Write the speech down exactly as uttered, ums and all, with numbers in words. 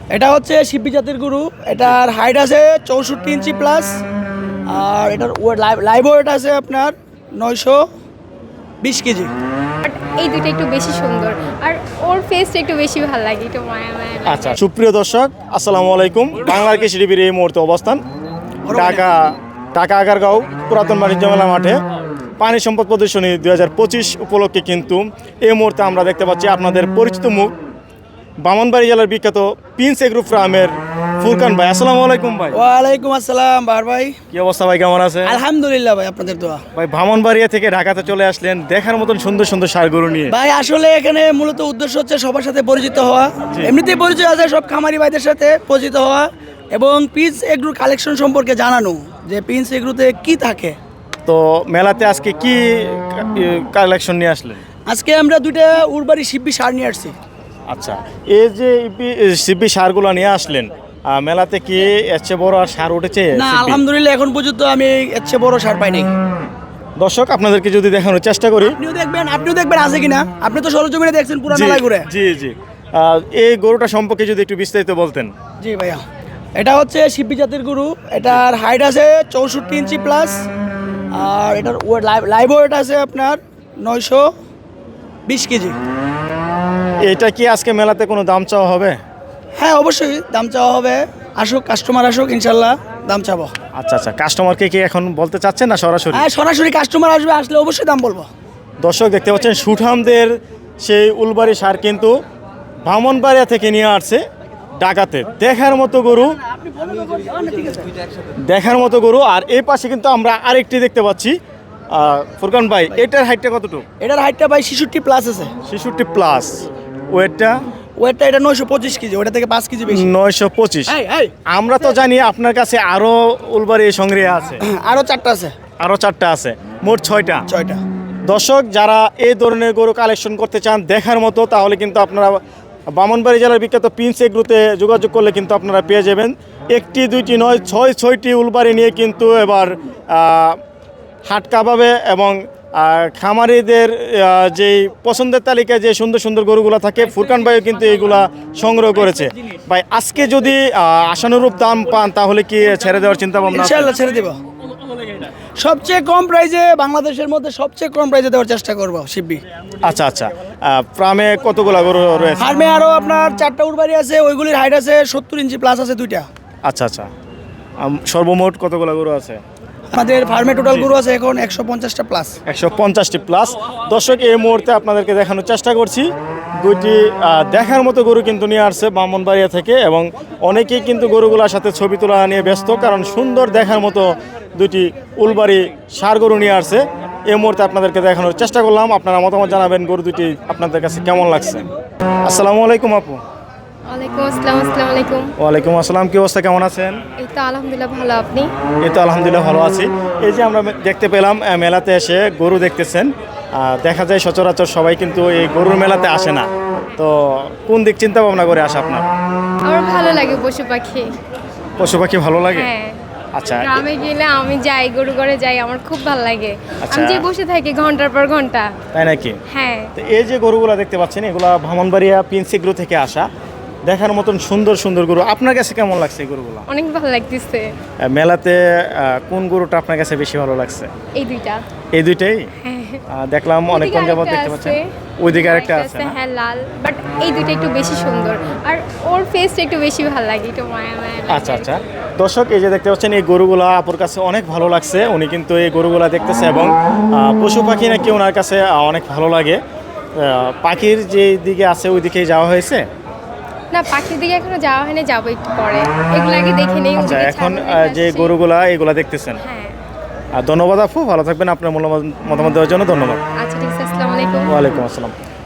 এটা হচ্ছে শিবি জাতের গরু। এটার হাইট আছে চৌষট্টি ইঞ্চি প্লাস, আর এটার লাইভ ওয়েট আছে আপনার নয়শো বিশ কেজি। বাট এই দুটো একটু বেশি সুন্দর, আর ওর ফেসটা একটু বেশি ভালো লাগে, একটু মায়া মায়া লাগে। আচ্ছা, সুপ্রিয় দর্শক আসসালামু আলাইকুম। বাংলার কৃষি টিভির এই মুহূর্তে অবস্থান ঢাকা ঢাকা আগারগাঁও পুরাতন বাণিজ্য মেলা মাঠে পানি সম্পদ প্রদর্শনী দুই হাজার পঁচিশ উপলক্ষে কিন্তু এই মুহূর্তে আমরা দেখতে পাচ্ছি আপনাদের পরিচিত মুখ ব্রাহ্মণবাড়িয়া জেলার বিখ্যাত প্রিন্স এগ্রো ফার্মের ফুরকান ভাই। আসসালামু আলাইকুম ভাই। ওয়ালাইকুম আসসালাম বার ভাই। কি অবস্থা ভাই, কেমন আছে? আলহামদুলিল্লাহ ভাই, আপনাদের দোয়া। ভাই ব্রাহ্মণবাড়িয়া থেকে ঢাকাতে চলে আসলেন দেখার মতন সুন্দর সুন্দর ষাঁড় গরু নিয়ে। ভাই আসলে এখানে মূলত উদ্দেশ্য হচ্ছে সবার সাথে পরিচিত হওয়া, এমনিতেই পরিচয় আছে সব খামারি ভাইদের সাথে পরিচিত হওয়া, এবং প্রিন্স এগ্রোর কালেকশন সম্পর্কে জানানো যে প্রিন্স এগ্রোতে কি থাকে। তো মেলাতে আজকে কি কালেকশন নিয়ে আসলেন? আজকে আমরা দুইটা উরবাড়ি শিববি সার নিয়ে আসছি। আচ্ছা, এই যে সিবি সারগুলো নিয়ে আসলেন আহ, মেলাতে কি এর চেয়ে বড় আর সার উঠেছে? না সিবি? আলহামদুলিল্লাহ এখন পর্যন্ত আমি এর চেয়ে বড় সার পাই নাই। দর্শক আপনাদেরকে যদি দেখানোর চেষ্টা করি, আপনিও দেখবেন আপনিও দেখবেন আছে কিনা। আপনি তো সরজমিনে দেখছেন পুরো জি, মেলায় ঘুরে। জি জি আহ, এই গরুটা সম্পর্কে যদি একটু বিস্তারিত বলতেন। জি ভাইয়া, এটা হচ্ছে শিববি জাতের গরু। এটার হাইট আছে চৌষট্টি ইঞ্চি প্লাস, আর এটার লাইভ ওয়েট আছে আপনার নয়শো বিশ কেজি। এটা কি আজকে মেলাতে কোনো দাম চাওয়া হবে? হ্যাঁ অবশ্যই দাম চাওয়া হবে, আসুক কাস্টমার আসুক, ইনশাল্লাহ দাম চাবো। আচ্ছা আচ্ছা, কাস্টমারকে কি এখন বলতে চাচ্ছেন না সরাসরি? হ্যাঁ সরাসরি কাস্টমার আসবে, আসলে অবশ্যই দাম বলবো। দর্শক দেখতে পাচ্ছেন সুঠামদের সেই উলবাড়ি সার কিন্তু ব্রাহ্মণবাড়িয়া থেকে নিয়ে আসছে ঢাকাতে। দেখার মতো গরু, দেখার মতো গরু। আর এই পাশে কিন্তু আমরা আরেকটি দেখতে পাচ্ছি। আহ, ফুরকান ভাই, এটার হাইটটা কতটুকু? এটার হাইটটা ভাই ছেষট্টি প্লাস আছে। ছেষট্টি প্লাস। ওয়েটটা ওয়েটটা এটা নয়শো পঁচিশ কেজি, ওটা থেকে পাঁচ কেজি বেশি। নয়শো পঁচিশ। এই, এই, আমরা তো জানি আপনার কাছে আরো উলবাড়ি সংগ্রহে আছে, আরো চারটা আছে, আরো চারটা আছে, মোট ছয়টা। ছয়টা। দর্শক যারা এই ধরনের গরু কালেকশন করতে চান দেখার মতো, তাহলে কিন্তু আপনারা ব্রাহ্মণবাড়ি জেলার বিখ্যাত প্রিন্স এগ্রোতে যোগাযোগ করলে কিন্তু আপনারা পেয়ে যাবেন। একটি দুইটি নয়, ছয় ছয়টি উলবাড়ি নিয়ে কিন্তু এবার আহ, হাট কাবাবে এবং আহ, খামারিদের আহ, যেই পছন্দের তালিকায় যে সুন্দর সুন্দর গরুগুলো থাকে, ফুরকান ভাইও কিন্তু এইগুলা সংগ্রহ করেছে। ভাই আজকে যদি আহ, আশানুরূপ দাম পান তাহলে কি ছেড়ে দেওয়ার চিন্তা ভাবনা আছে? ইনশাআল্লাহ ছেড়ে দিব। সবচেয়ে কম প্রাইজে, বাংলাদেশের মধ্যে সবচেয়ে কম প্রাইজে দেওয়ার চেষ্টা করব শিববি। আচ্ছা আচ্ছা, আহ, ফার্মে কতগুলো গরু রয়েছে? ফার্মে আরো আপনার চারটা উরবাড়ি আছে, ওইগুলির হাইট আছে সত্তর ইঞ্চি প্লাস আছে দুইটা। আচ্ছা আচ্ছা, আম, সর্বমোট কতগুলো গরু আছে? আমাদের ফার্মে টোটাল গরু আছে এখন একশো পঞ্চাশটা প্লাস। একশো পঞ্চাশটি প্লাস। দর্শক এই মুহূর্তে আপনাদেরকে দেখানোর চেষ্টা করছি দুইটি আহ, দেখার মতো গরু কিন্তু নিয়ে আসছে ব্রাহ্মণবাড়িয়া থেকে, এবং অনেকেই কিন্তু গরুগুলোর সাথে ছবি তোলা নিয়ে ব্যস্ত, কারণ সুন্দর দেখার মতো দুইটি উলবাড়ি ষাঁড় গরু নিয়ে আসছে। এই মুহূর্তে আপনাদেরকে দেখানোর চেষ্টা করলাম, আপনারা মতামত জানাবেন গরু দুটি আপনাদের কাছে কেমন লাগছে। আসসালামু আলাইকুম আপু। ওয়ালাইকুম আসসালাম। আসসালামু আলাইকুম। ওয়ালাইকুম আসসালাম, কি অবস্থা, কেমন আছেন? এই তো আলহামদুলিল্লাহ ভালো, আপনি? এই তো আলহামদুলিল্লাহ ভালো আছি। এই যে আমরা দেখতে পেলাম আহ, মেলাতে এসে গরু দেখতেছেন। আহ, দেখা যায় সচরাচর সবাই কিন্তু এই গরুর মেলাতে আসে না, তো কোন দিক চিন্তা ভাবনা করে আসে আপনার? আমার ভালো লাগে পশু পাখি। পশু পাখি ভালো লাগে? হ্যাঁ, আচ্ছা, গ্রামে গেলে আমি যাই, গরু ঘরে যাই, আমার খুব ভালো লাগে। আচ্ছা। আমি যে বসে থাকি ঘন্টার পর ঘন্টা। তাই নাকি? হ্যাঁ, তো এই যে গরুগুলা দেখতে পাচ্ছেন, এগুলা ব্রাহ্মণবাড়িয়া প্রিন্স এগ্রো থেকে আসা দেখার মতন সুন্দর সুন্দর গরু। আপনার কাছে কেমন লাগছে এই গরুগুলা? অনেক ভালো লাগতেছে। আহ, মেলাতে আহ, কোন গরুটা আপনার কাছে বেশি ভালো লাগছে? এই দুইটা। এই দুইটাই? হ্যাঁ, আহ, দেখলাম অনেকক্ষণ যাবত দেখতে পাচ্ছেন ওইদিকে আরেকটা আছে না? হ্যাঁ লাল, বাট এই দুইটা একটু বেশি সুন্দর, আর ওর ফেসটা একটু বেশি ভালো লাগে, একটু মায়া মায়া লাগে। আচ্ছা আচ্ছা, দর্শক এই যে দেখতে পাচ্ছেন এই গরুগুলা আপুর কাছে অনেক ভালো লাগছে। উনি কিন্তু এই গরুগুলা দেখতেছে, এবং আহ, পশু পাখি নাকি ওনার কাছে আহ, অনেক ভালো লাগে। আহ, পাখির যে দিকে আছে ওই দিকেই যাওয়া হয়েছে না, পাখির দিকে এখনো যাওয়া হয়নি, যাবো একটু পরে। এগুলো আগে দেখে নেই। আচ্ছা, ওদিকে এখন ছাগল আহ, যে দেখে আসছি। গরুগুলা এগুলা দেখতেছেন। হ্যাঁ, আর ধন্যবাদ আপু, ভালো থাকবেন, আপনার মূল্যবান মতামত দেওয়ার জন্য ধন্যবাদ। আচ্ছা ঠিক আছে, আসসালামু আলাইকুম। ওয়ালাইকুম আসসালাম।